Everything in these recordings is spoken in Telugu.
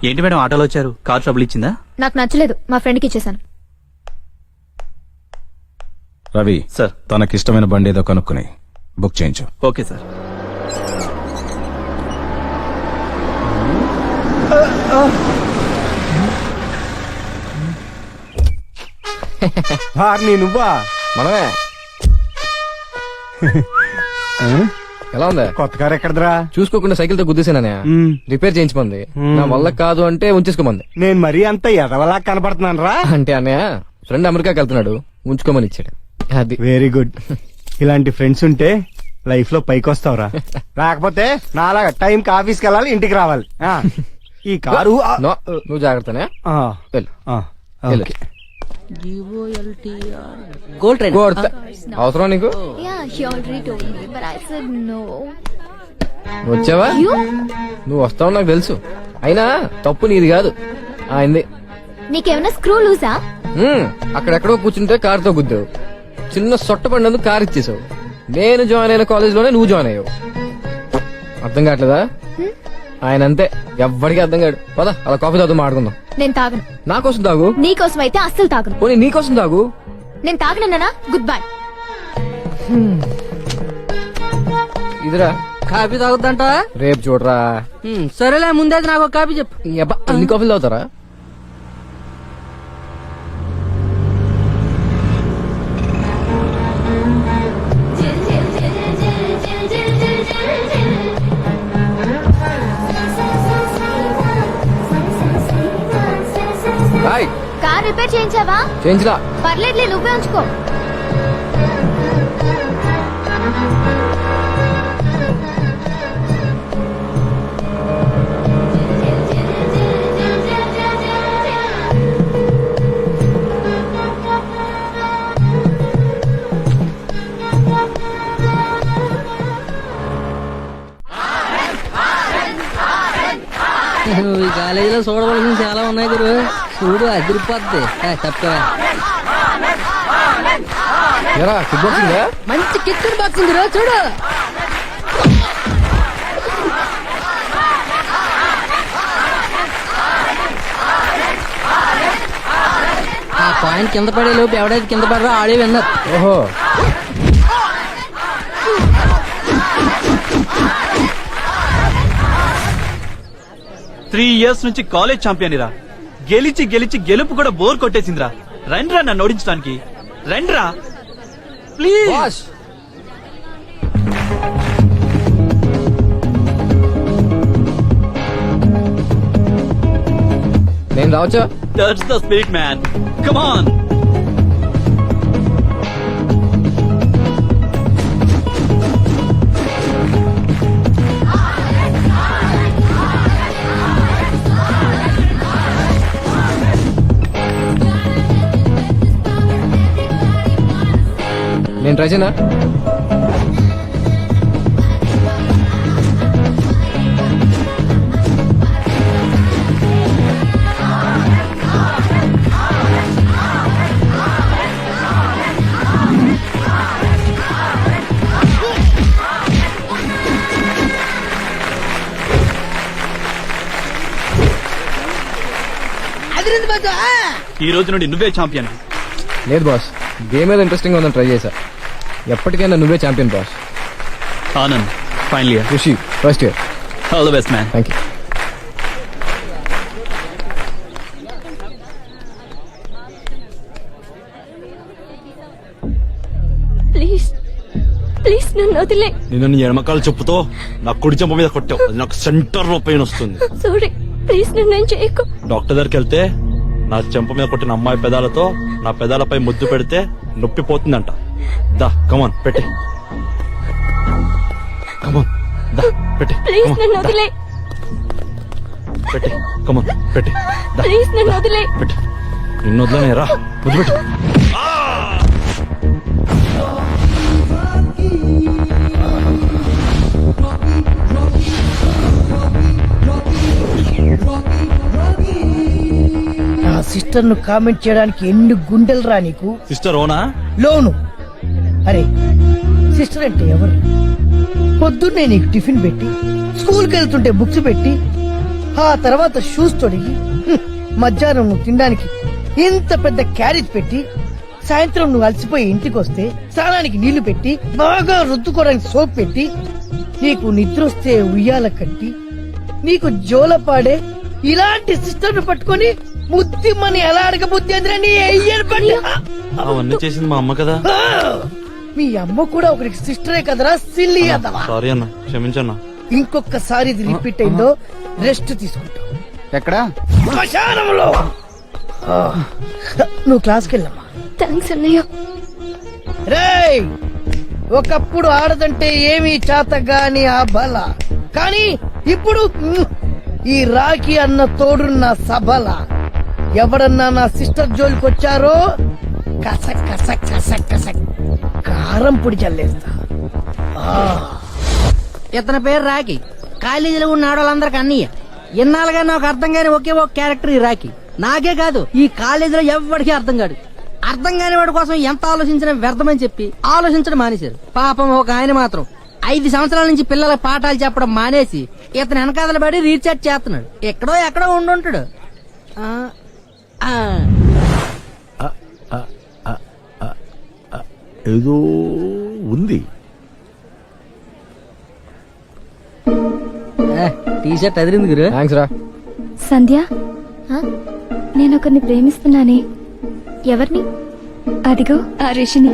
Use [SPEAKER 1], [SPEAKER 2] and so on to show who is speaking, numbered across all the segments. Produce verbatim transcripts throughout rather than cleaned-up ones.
[SPEAKER 1] ఏంటి మేడం ఆటోలో వచ్చారు? కార్ ట్రబుల్ ఇచ్చిందా?
[SPEAKER 2] నాకు నచ్చలేదు, మా ఫ్రెండ్కి ఇచ్చేసాను.
[SPEAKER 3] రవి
[SPEAKER 1] సార్.
[SPEAKER 3] తనకిష్టమైన బండి ఏదో కనుక్కుని బుక్ చేయించు.
[SPEAKER 1] Okay sir.
[SPEAKER 4] నువ్వా?
[SPEAKER 5] మనమే. ఎలా ఉందా?
[SPEAKER 4] కొత్త కారు ఎక్కడదరా?
[SPEAKER 5] చూసుకోకుండా సైకిల్ తో గుద్దేసాననే రిపేర్ చేయించమంది. నా వల్ల కాదు అంటే ఉంచేసుకోమంది.
[SPEAKER 4] నేను మరీ అంత ఎదవలా కనపడుతున్నాను రా.
[SPEAKER 5] అంటే అన్నయ్య ఫ్రెండ్ అమెరికాకి వెళ్తున్నాడు, ఉంచుకోమని ఇచ్చాడు. అది
[SPEAKER 4] వెరీ గుడ్. ఇలాంటి ఫ్రెండ్స్ ఉంటే లైఫ్ లో పైకి వస్తావురా. లేకపోతే నాలాగా టైం కి ఆఫీస్కి వెళ్ళాలి, ఇంటికి రావాలి. ఆ, ఈ కారు ఆ,
[SPEAKER 5] నో, నువ్వు జాగ్రత్తనే.
[SPEAKER 4] ఆ,
[SPEAKER 5] వెళ్ళు.
[SPEAKER 4] ఆ,
[SPEAKER 5] వెళ్ళు.
[SPEAKER 4] ఓకే.
[SPEAKER 6] గోల్డ్ ట్రైన్
[SPEAKER 5] కొడతా. అవసరం నీకు?
[SPEAKER 2] Yeah, he already told me, but I said no.
[SPEAKER 5] నువ్వు వచ్చావా?
[SPEAKER 2] You?
[SPEAKER 5] నువ్వు వస్తావు నాకు తెలుసు, అయినా తప్పు నీది కాదు ఆయనది.
[SPEAKER 2] నీకేమైనా స్క్రూ లూజా?
[SPEAKER 5] హ్మ్, అక్కడెక్కడో కూర్చుంటే కారుతో గుద్దావు. చిన్న సొట్ట పడినందుకు కారు ఇచ్చేసావు. నేను జాయిన్ అయిన కాలేజ్ లోనే నువ్వు జాయిన్ అయ్యావు. అర్థం కావట్లేదా? ఆయన అంతే, ఎవ్వడికి అర్థం కాడు. పద అలా కాఫీ తాగుతూ మాట్లాడుకుందాం.
[SPEAKER 2] నేను తాగను.
[SPEAKER 5] నా కోసం తాగు.
[SPEAKER 2] నీకోసం అయితే అస్సలు తాగను.
[SPEAKER 5] పోనీ నీ కోసం తాగు.
[SPEAKER 2] నేను తాగనన్నా గుడ్ బై.
[SPEAKER 5] ఇదిరా
[SPEAKER 6] కాఫీ తాగుద్దంట.
[SPEAKER 5] రేపు చూడరా.
[SPEAKER 6] సరేలే, ముందే నాకు ఒక కాఫీ చెప్పు.
[SPEAKER 5] ఈ అబ్బా, అన్ని కాఫీలు తాగుతారా? హాయ్.
[SPEAKER 2] కార్ రిపేర్ చేయించావా?
[SPEAKER 5] చేయించరా?
[SPEAKER 2] పర్లేదులే, నువ్వే ఉంచుకో.
[SPEAKER 6] ఈ కాలేజీలో చూడవలసిన చాలా ఉన్నాయి గురు. చూడు అదిరిపోద్ది. తప్ప
[SPEAKER 5] ఎరా కిక్ బాక్సింగ్?
[SPEAKER 6] మంచి కిక్ బాక్సింగ్ గురు, చూడు. ఆ పాయింట్ కింద పడే లోపు ఎవడైతే కింద పడరా ఆడే విన్నారు.
[SPEAKER 5] ఓహో,
[SPEAKER 1] త్రీ ఇయర్స్ నుంచి కాలేజ్ ఛాంపియన్ రా. గెలిచి గెలిచి గెలుపు కూడా బోర్ కొట్టేసిందిరా. రండ్రా నన్ను ఓడించడానికి, రండ్రా ప్లీజ్.
[SPEAKER 5] బాస్ నేను రావచ్చా?
[SPEAKER 1] That's the spirit man, come on.
[SPEAKER 5] నేను ట్రై చేయనా?
[SPEAKER 1] ఈ రోజు నుండి నువ్వే ఛాంపియన్.
[SPEAKER 5] లేదు బాస్, గేమ్ ఏదో ఇంట్రెస్టింగ్ ఉందని ట్రై చేశా. ఎప్పటికైనా నువ్వే champion boss.
[SPEAKER 1] Anand final year,
[SPEAKER 5] Rishi first year.
[SPEAKER 1] All the best man.
[SPEAKER 5] Thank you.
[SPEAKER 2] Please please నన్ను వదిలే.
[SPEAKER 7] నేను నీ ఎడమకాలు చెప్పుతో నా కుడి చెంప మీద కొట్టావు, అది నాకు సెంటర్ లో పెయిన్ వస్తుంది.
[SPEAKER 2] సారీ, ప్లీజ్ నన్ను ఏం చేయకు.
[SPEAKER 7] డాక్టర్ దగ్గరికి వెళ్తే నా చెంప మీద కొట్టిన అమ్మాయి పెదాలతో నా పెదాలపై ముద్దు పెడితే నొప్పి పోతుందంట. దా కమాన్ పెట్టి, కమాన్ దా పెట్టి,
[SPEAKER 2] ప్లీజ్ నన్ను వదిలే.
[SPEAKER 7] పెట్టి కమాన్ పెట్టి, దా
[SPEAKER 2] ప్లీజ్ నన్ను వదిలే.
[SPEAKER 7] పెట్టి. నిన్ను వదిలేనే రా, ముద్దు పెట్టు.
[SPEAKER 8] నా సిస్టర్ ను కామెంట్ చేయడానికి ఎన్ని గుండెలు రా నీకు.
[SPEAKER 7] సిస్టర్ ఓనా?
[SPEAKER 8] లోను. అరే సిస్టర్ అంటే ఎవరు? పొద్దున్నే నీకు టిఫిన్ పెట్టి, స్కూల్కి వెళ్తుంటే బుక్స్ పెట్టి, ఆ తర్వాత షూస్ తొడిగి హ్మ్, మధ్యాహ్నం నువ్వు తినడానికి ఇంత పెద్ద క్యారేజ్ పెట్టి సాయంత్రం నువ్వు అలసిపోయి ఇంటికి వస్తే స్నానానికి నీళ్లు పెట్టి బాగా రుద్దుకోవడానికి సోప్ పెట్టి నీకు నిద్ర వస్తే ఉయ్యాల కట్టి నీకు జోలపాడే ఇలాంటి సిస్టర్ ను పట్టుకొని ముద్దిమ్మని ఎలా అడగ బుద్ధి అందిరా నీ అయ్యని పట్టి
[SPEAKER 7] అవన్నీ చేసింది మా అమ్మ కదా.
[SPEAKER 8] ఆ! మీ అమ్మ కూడా ఒకరికి సిస్టరే కదరా సిల్లి అదవా.
[SPEAKER 7] సారీ అన్న, క్షమించన్నా.
[SPEAKER 8] ఇంకొకసారి ఇది రిపీట్ అయిందో రెస్ట్ తీసుకుంటావు
[SPEAKER 4] ఎక్కడ
[SPEAKER 8] శ్మశానంలో. ఆ, నువ్వు క్లాస్కి వెళ్ళమ్మా.
[SPEAKER 2] థ్యాంక్స్ అన్నయ్య.
[SPEAKER 8] రేయ్ ఒకప్పుడు ఆడదంటే ఏమీ చేతగాని ఆ బల, కానీ ఇప్పుడు మ్, ఈ రాఖీ అన్న తోడున్న సబల. ఎవడన్నా నా సిస్టర్ జోలికి వచ్చారో కసక్ కసక్ కసక్ కసక్ కారం పొడి చల్లేస్తా. ఆ,
[SPEAKER 6] ఇతని పేరు రాఖీ. కాలేజీలో ఉన్న ఆడవాళ్ళందరికి అన్నయ్య. ఇన్నాళ్ళుగా నాకు అర్థం కాని ఒకే ఒక క్యారెక్టర్ ఈ రాఖీ. నాకే కాదు, ఈ కాలేజీలో ఎవరికి అర్థం కాడు. అర్థం కాని వాడి కోసం ఎంత ఆలోచించినా వ్యర్థమని చెప్పి ఆలోచించడం మానేశారు. పాపం ఒక ఆయన మాత్రం ఐదు సంవత్సరాల నుంచి పిల్లలకు పాఠాలు చెప్పడం మానేసి ఇతను వెనకాదల పడి రీఛార్జ్ చేస్తున్నాడు. ఎక్కడో ఎక్కడో ఉండుంటాడు. ఆ, ఆ.
[SPEAKER 9] ఏదో ఉంది.
[SPEAKER 6] ఏ, టీ షర్ట్ అదిరింది గురు.
[SPEAKER 5] థ్యాంక్స్ రా.
[SPEAKER 2] సంధ్య నేను ఒకరిని ప్రేమిస్తున్నానే. ఎవరిని? అదిగో ఆ రిషిని.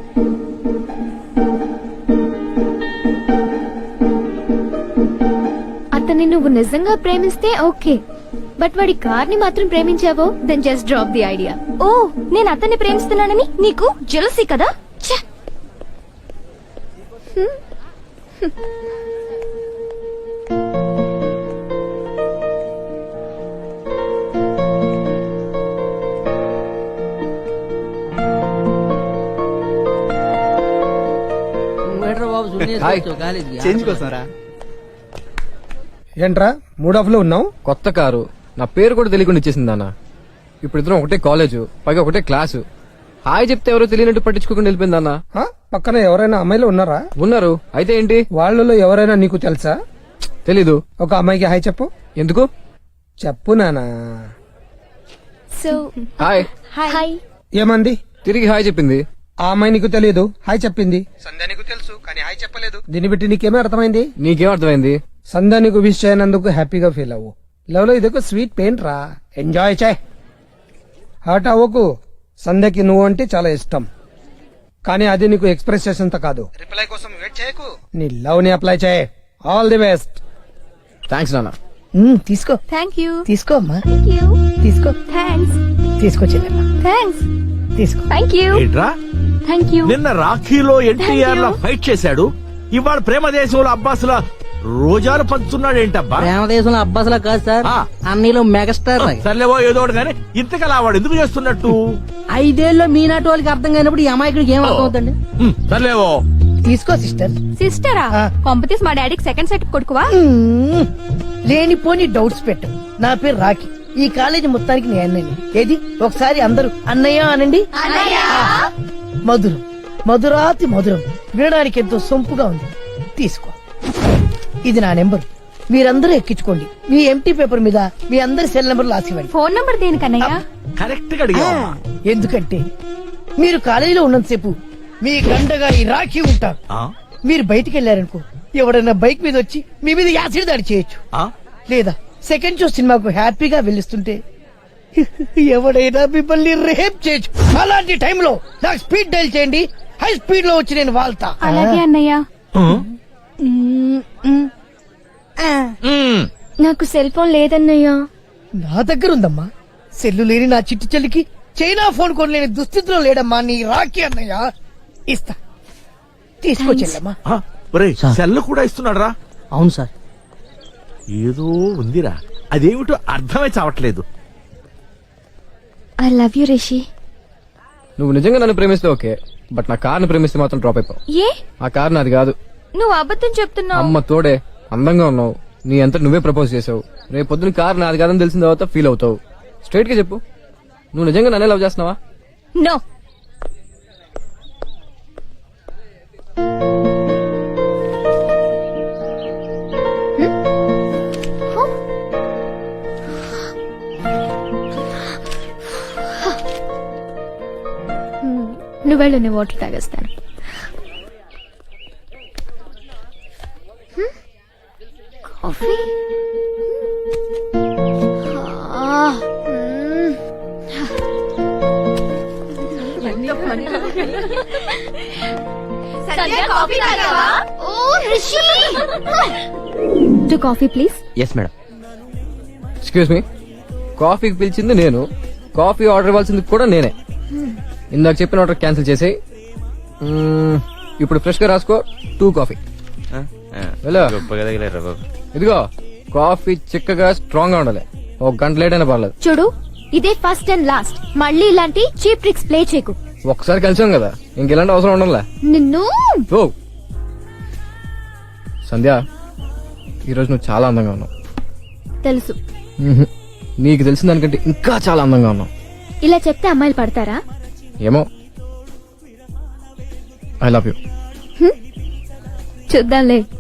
[SPEAKER 2] అతన్ని నువ్వు నిజంగా ప్రేమిస్తే ఓకే, బట్ వాడి కార్ ని మాత్రం ప్రేమించావో then just drop the idea. ఓ నేను అతన్ని ప్రేమిస్తున్నానని నీకు జెలసీ కదా. ఛ! హ్మ్. హ్మ్.
[SPEAKER 6] నువ్వేంట్రా బాబు సున్నేసి
[SPEAKER 5] హాయ్.
[SPEAKER 6] వచ్చావు కాలేజీకి?
[SPEAKER 1] చేంజ్ కోసంరా.
[SPEAKER 4] ఏంట్రా మూడ్ ఆఫ్ లో ఉన్నావు?
[SPEAKER 5] కొత్త కారు, నా పేరు కూడా తెలియకుండా ఇచ్చేసింది అన్న. ఇప్పుడు ఇద్దరం ఒకటే కాలేజు, పైగా ఒకటే క్లాసు. హాయ్ చెప్తే ఎవరో తెలియనట్టు పట్టించుకోకుండా వెళ్ళిపోయింది అన్న.
[SPEAKER 4] ఆ? పక్కన ఎవరైనా అమ్మాయిలు ఉన్నారా?
[SPEAKER 5] ఉన్నారు, అయితే ఏంటి?
[SPEAKER 4] వాళ్ళలో ఎవరైనా నీకు తెలుసా?
[SPEAKER 5] తెలీదు.
[SPEAKER 4] ఒక అమ్మాయికి హాయ్ చెప్పు.
[SPEAKER 5] ఎందుకు?
[SPEAKER 4] చెప్పు నానా.
[SPEAKER 2] So
[SPEAKER 5] hi.
[SPEAKER 2] హాయ్.
[SPEAKER 4] ఏమంది?
[SPEAKER 5] తిరిగి హాయ్ చెప్పింది.
[SPEAKER 4] ఆ అమ్మాయి నీకు తెలియదు, హాయ్ చెప్పింది. సంధ్య నీకు తెలుసు కానీ హాయ్ చెప్పలేదు. దీన్ని బట్టి నీకేమీ అర్థమైంది?
[SPEAKER 5] నీకేం అర్థమైంది?
[SPEAKER 4] సంధ్య నీకు విష్ చేయనందుకు హ్యాపీగా ఫీల్ అవ్వు. లవ్ లో ఇదొక స్వీట్ పెయిన్ రా, ఎంజాయ్ చేయి. హర్ట్ అవ్వకు. సంధ్యకి నువ్వు అంటే చాలా ఇష్టం, కానీ అది నీకు ఎక్స్ప్రెస్ చేసేంత కాదు. రిప్లై కోసం వెయిట్ చేయకు, నీ లవ్ ని అప్లై చేయి. All the best.
[SPEAKER 5] థ్యాంక్స్ నాన్న.
[SPEAKER 8] మ్, తీసుకో
[SPEAKER 2] థ్యాంక్ యూ.
[SPEAKER 8] తీసుకో అమ్మా,
[SPEAKER 2] థ్యాంక్ యూ.
[SPEAKER 8] తీసుకో
[SPEAKER 2] థ్యాంక్స్.
[SPEAKER 8] తీసుకో చెల్లెమ్మా,
[SPEAKER 2] థ్యాంక్స్.
[SPEAKER 8] తీసుకో.
[SPEAKER 2] Thank you.
[SPEAKER 9] ఏంట్రా
[SPEAKER 2] థ్యాంక్ యూ.
[SPEAKER 9] నిన్న రాఖీలో ఎన్టీఆర్ లా ఫైట్ చేశాడు, ఇవాళ ప్రేమ దేశంలో అబ్బాస్ లా రోజాలు పంచుతున్నాడు ఏంటబ్బా?
[SPEAKER 6] ప్రేమ దేశంలో అబ్బాసులా కాదు సార్,
[SPEAKER 9] ఆ.
[SPEAKER 6] అన్నీలో మెగాస్టార్.
[SPEAKER 9] సర్లేవో ఏదో ఒకటి కానీ ఇంతకలా వాడు ఎందుకు చేస్తున్నట్టు?
[SPEAKER 6] ఐదేళ్ళలో మీనాటి వాళ్ళకి అర్థం కానప్పుడు ఈ అమాయకుడికి ఏం అర్థం అవుతుంది?
[SPEAKER 9] హ్మ్, సర్లేవో.
[SPEAKER 8] తీసుకో సిస్టర్.
[SPEAKER 2] సిస్టరా?
[SPEAKER 8] ఆ.
[SPEAKER 2] కాంపిటీస్ మా డాడీకి సెకండ్ సెట్ కొడుకువా?
[SPEAKER 8] మ్మ్. లేనిపోని డౌట్స్ పెట్టు. నా పేరు రాఖీ, ఈ కాలేజీ మొత్తానికి నేను అన్నయ్య. ఏది ఒకసారి అందరూ అన్నయ్య అనండి. ఆ. మధురం, మధురాతి మధురం, వినడానికి ఎంతో సొంపుగా ఉంది. తీసుకో, ఇది నా నెంబర్. మీరందరూ ఎక్కించుకోండి. మీ ఎంటీ పేపర్ మీద మీ అందరి సెల్ నెంబర్ రాసివ్వండి.
[SPEAKER 2] ఫోన్ నంబర్ దేనికన్నయ్యా?
[SPEAKER 9] కరెక్ట్ గా అడిగావు.
[SPEAKER 8] ఎందుకంటే మీరు కాలేజీలో ఉన్నంతసేపు మీ గంటగా ఈ రాఖీ ఉంటారు.
[SPEAKER 9] ఆ?
[SPEAKER 8] మీరు బయటికి వెళ్ళారనుకో, ఎవడన్నా బైక్ మీద వచ్చి మీ మీద యాసిడ్ దాడి చేయొచ్చు.
[SPEAKER 9] ఆ?
[SPEAKER 8] లేదా సెకండ్ షో సినిమాకు హ్యాపీగా వెళ్ళిస్తుంటే ఎవడైనా మిమ్మల్ని రేప్ చేయొచ్చు. అలాంటి టైంలో నాకు స్పీడ్ డైల్ చేయండి, హై స్పీడ్ లో వచ్చి నేను వాళ్తా.
[SPEAKER 2] అలాగే అన్నయ్య.
[SPEAKER 9] హ్మ్.
[SPEAKER 8] మ్మ్, మ్మ్. ఆ,
[SPEAKER 9] హ్మ్.
[SPEAKER 2] నాకు సెల్ ఫోన్ లేదన్నయ్య.
[SPEAKER 8] నా దగ్గర ఉందమ్మా. సెల్లు లేని నా చిట్టి చెల్లికి చైనా ఫోన్ కొనలేని దుస్థితిలో లేడమ్మా నీ రాఖీ అన్నయ్య. ఇస్తా, తీసుకొచ్చెల్లమ్మా.
[SPEAKER 9] ఆ, ఒరేయ్, సెల్ కూడా ఇస్తున్నాడు రా.
[SPEAKER 6] అవును సార్.
[SPEAKER 9] ఏదో ఉందిరా, అదేమిటో అర్థమై చావట్లేదు.
[SPEAKER 2] I love you Rishi.
[SPEAKER 5] నువ్వు నిజంగా నన్ను ప్రేమిస్తే ఓకే, బట్ నా కార్ని ప్రేమిస్తే మాత్రం డ్రాప్ అయిపోవు.
[SPEAKER 2] ఏ
[SPEAKER 5] ఆ కార్ నాది కాదు.
[SPEAKER 2] నువ్వు అబద్ధం చెప్తున్నావు.
[SPEAKER 5] అమ్మ తోడే, అందంగా ఉన్నావు, నీ అంతా నువ్వే ప్రపోజ్ చేసావు. రేపు పొద్దున కార్ నాది కాదని తెలిసిన తర్వాత ఫీల్ అవుతావు. స్ట్రైట్ గా చెప్పు, నువ్వు నిజంగా నన్నే లవ్ చేస్తున్నావా?
[SPEAKER 2] నో. నువ్వు వెళ్ళు, నేను వాటర్ తాగేస్తాను. హ్మ్? కాఫీ ఆ, మ్మ్. ఓ, Rishi! Two coffee please.
[SPEAKER 5] Yes madam. Excuse me, కాఫీకి పిలిచింది నేను, కాఫీ ఆర్డర్ ఇవ్వాల్సింది కూడా నేనే. ఇందాక చెప్పిన ఆర్డర్ క్యాన్సిల్ చేసి ఇప్పుడు ఫ్రెష్ గా రాసుకో, టూ కాఫీ. వెళ్ళు. ఇదిగో కాఫీ చిక్కగా స్ట్రాంగ్ గా ఉండాలి, ఒక గంట లేట్ అయినా పర్లేదు.
[SPEAKER 2] చూడు, ఇదే ఫస్ట్ అండ్ లాస్ట్. మళ్ళీ ఇలాంటి చీప్ ట్రిక్స్ ప్లే చేయకు.
[SPEAKER 5] ఒక్కసారి కలిసాం కదా, ఇంకెలాంటి అవసరం ఉండదులే.
[SPEAKER 2] నిన్ను
[SPEAKER 5] ఓ సంధ్య, ఈరోజు నువ్వు చాలా అందంగా ఉన్నావు.
[SPEAKER 2] తెలుసు.
[SPEAKER 5] మ్హూ. నీకు తెలిసిన దానికంటే ఇంకా చాలా అందంగా ఉన్నావు.
[SPEAKER 2] ఇలా చెప్తే అమ్మాయిలు పడతారా?
[SPEAKER 5] ఏమో. I love you.
[SPEAKER 2] చూద్దాంలే.